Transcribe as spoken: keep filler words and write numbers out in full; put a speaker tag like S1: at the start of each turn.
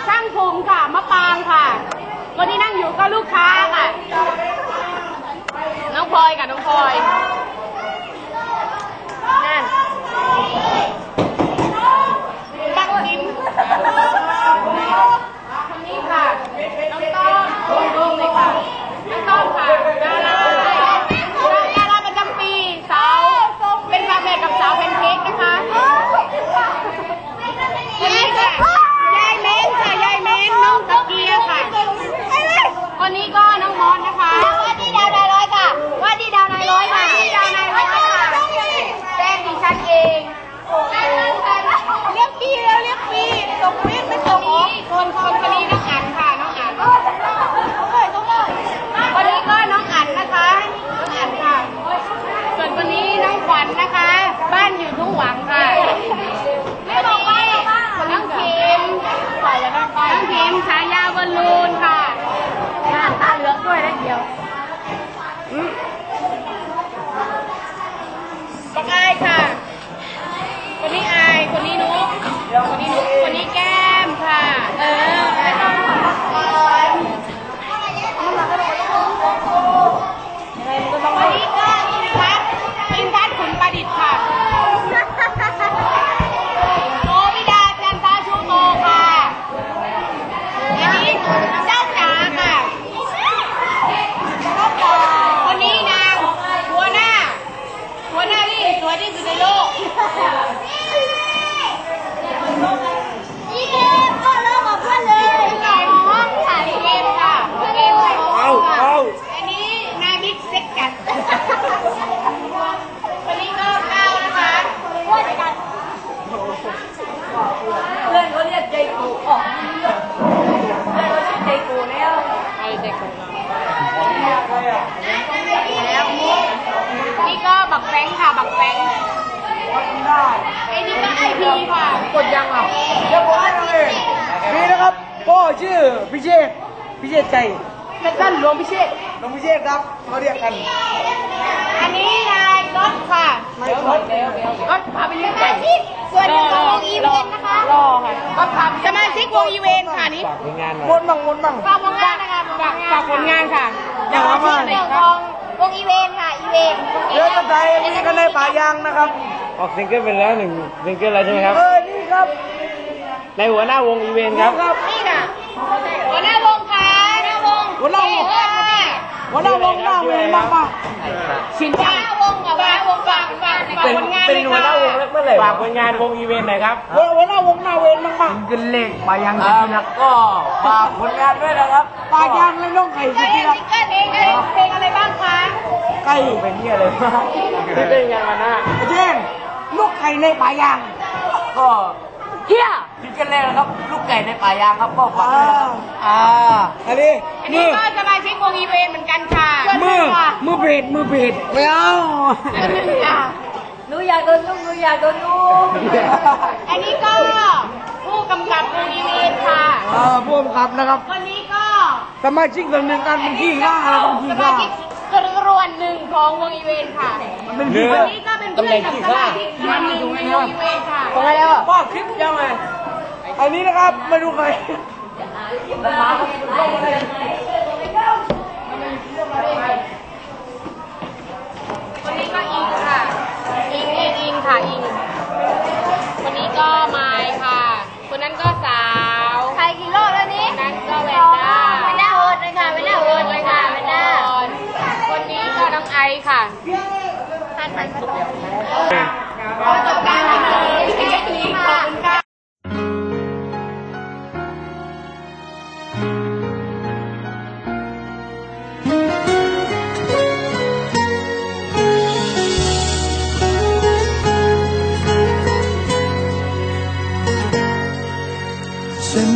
S1: ช่างภูมิค่ะมะปางค่ะคนที่นั่งอยู่ก็ลูกค้าค่ะน้องพลอยค่ะน้องพลอยนั่นปักดินคนนี้ค่ะน้องต้อมลงเลยค่ะน้องต้อมค่ะดาราดาราประจำปีสาวเป็นฝาแฝดกับสาวแพนเค้กนะคะคนนี้ค่ะยายเม้นค่ะยายเม้นน้องตะเกียค่ะคนนี้ก็น้องมอสนะคะว่าที่ดาวนายร้อยค่ะว่าที่ดาวนายร้อยค่ะที่ดาวนายร้อยค่ะแจ้งดิฉันเองเรียกปีแล้วเรียกปีส่งปีไม่ส่งอีกคนคนคนนี้น้องอั๋นค่ะน้องอั๋นคนนี้ก็น้องอั๋นนะคะน้องอั๋นค่ะส่วนคนนี้น้องขวัญนะคะบ้านอยู่ทุ่งหวังค่ะไม่บอกว่าน้องเข็มน้องเข็มฉายาบอลลูนค่ะงานตาเหลือกด้วยนะเดียวปักอายค่ะคนนี้อายคนนี้นุ๊กคนนี้นุ๊กคนนี้แก้มค่ะเออคนนี้ก็อินทัศน์อินทัศน์ขุนประดิษฐ์ค่ะโอวิดาจันทาชูโตค่ะอันนี้เจ้าจ๋าค่ะคนนี้นางหัวหน้าหัวหน้าที่สวยที่สุดในโลกนี่เกมก็เลิกกับเพื่อนเลยใหญ่ห้องถ่ายเกมค่ะเกมใส่ห้องค่ะอันนี้นายบิ๊กเซ็กกัดคนนี้ก็ก้าวนะคะเพื่อนกันเพื่อนเขาเรียกใจกูออกเพื่อนเขาเรียกใจกูแล้วไอ้ใจกูแล้วนี่ก็บักแฟงค่ะบักแฟงไอ้นี่ก็ไอพีค่ะกดยังอ่ะ
S2: เดี๋ยวผมให้ดูเลยนี่นะครับพ่อชื่อพิเชษพิเชษใจ
S1: สั้นๆหลวงพิเชษ
S2: หลวงพิเชษครับเขาเรียกกัน
S1: อันนี้นายก๊อตค่ะ
S2: นายก๊อต
S1: ก๊อตพาไปเลี้ยงไก่ส่วนหนึ่งของวงอีเวนต์นะคะรอค่ะก๊อตพาสมาชิกวงอีเวนต์ค่ะนี่
S2: ฝากผลงานวนบังวนบัง
S1: ฝากผลงานนะคะฝากผลงานค่ะอย่างที่หนึ่งของวงอีเวนต์ค่ะอีเวนต์
S2: เรือตะไคร้มีกันในป่ายางนะครับ
S3: ออกซิงเกิลเป็นแล้วหนึ่งซิงเกิลแล้วใช่ไหมครับ
S2: เออนี่ครับ
S3: ในหัวหน้าวงอีเวนต์ครับ
S1: นี่ค่ะหัวหน้าวงค่ะหัวหน้าวง
S2: หัวหน้าวงหัวหน้าวงหน้าเวรมากป่ะ
S1: สินค้าวงกับว่าวงฝากฝากฝากผลงาน
S3: เป็นหัวหน้าวงเมื่อไหร่ฝากผลงานวงอีเวนต์หน่อยครับ
S2: หัวหน้าวงหน้าเวรมากป่ะ
S3: ซิงเกิลเล็กป่ายางสิแล้วก็ฝากผลงานด้วยนะครับ
S2: ป่ายางและน้องไก่
S1: ซิงเกิลซิงเกิลเองเพลงอะไรบ้างคะ
S2: ไก่
S3: เป็นเงี้ยเลยที่เป็นงานมาหน้า
S2: เช่นลูกไก่ในป่ายาง
S3: ก็
S1: เฮีย
S3: ซิงเกิลแรกนะครับลูกไก่ในป่ายางครับก็ฝากด้วยนะครับ
S2: อ่าอันนี้
S1: อันนี้ก็สมาชิกวงอีเวนต์เหมือนกันค่ะ
S2: มือมือเบดมือเบดไม่เอา
S1: หนูอยากโดนลูกหนูอยากโดนลูกอันนี้ก็ผู้กำกับวงอีเวนต์ค่ะ
S2: เออผู้กำกับนะครับ
S1: คนนี้ก็
S2: สมาชิกส่วนหนึ่งกันเป็นขี้ข้าอะไรเป็นขี้ข้า
S1: สมาชิกรวนหนึ่งของวงอีเวนต์ค่ะ
S2: เป็นขี้
S1: ข้าวันนี้ก็เป็นเพื่อนกับสมาชิกส่วนหนึ่งในวงอีเวนต์ค่ะ
S2: ตรงไหนแล้วป้าคลิปยังไงอันนี้นะครับมาดูใคร
S1: คนนี้ก็อิงค่ะอิงอิงอิงค่ะอิงคนนี้ก็ไมค์ค่ะคนนั้นก็สาวใครกี่รอบแล้วนี้นั้นก็เวนด้าเวนด้าโหดเลยค่ะเวนด้าโหดเลยค่ะเวนด้าคนนี้ก็น้องไอค่ะท่านท่าน